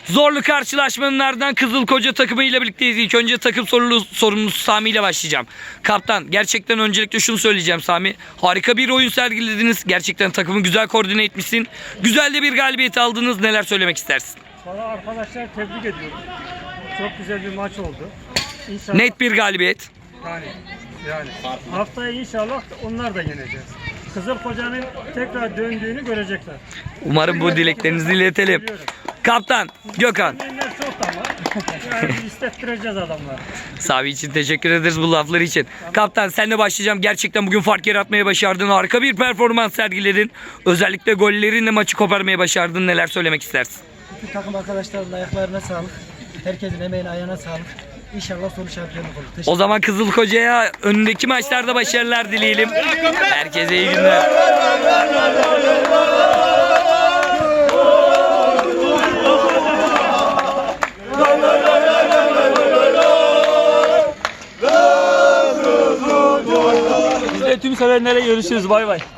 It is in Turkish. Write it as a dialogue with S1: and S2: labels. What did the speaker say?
S1: Zorlu karşılaşmanın ardından Kızılkoca takımı ile birlikteyiz. İlk önce takım sorumlusu Sami ile başlayacağım. Kaptan, gerçekten öncelikle şunu söyleyeceğim Sami. Harika bir oyun sergilediniz. Gerçekten takımı güzel koordine etmişsin. Güzel de bir galibiyet aldınız. Neler söylemek istersin?
S2: Valla arkadaşlar tebrik ediyorum. Çok güzel bir maç oldu. İnşallah,
S1: Net bir galibiyet.
S2: yani haftaya inşallah onlar da yeneceğiz. Kızılkoca'nın tekrar döndüğünü görecekler.
S1: Umarım bu dileklerinizi iletelim. Kaptan, Gökhan.
S2: Yenler çok ama yani istettireceğiz adamları.
S1: Sami için teşekkür ederiz bu lafları için. Kaptan, senle başlayacağım. Gerçekten bugün fark yaratmaya başardın. Harika bir performans sergiledin. Özellikle gollerinle maçı koparmaya başardın. Neler söylemek istersin?
S3: Bütün takım arkadaşlarımın ayaklarına sağlık. Herkesin emeğine, ayağına sağlık. İnşallah sonuç şampiyonluk olur.
S1: O zaman Kızılkoca'ya önündeki maçlarda başarılar dileyelim. Herkese iyi günler.
S2: Tüm sevenlere görüşürüz. Bay bay.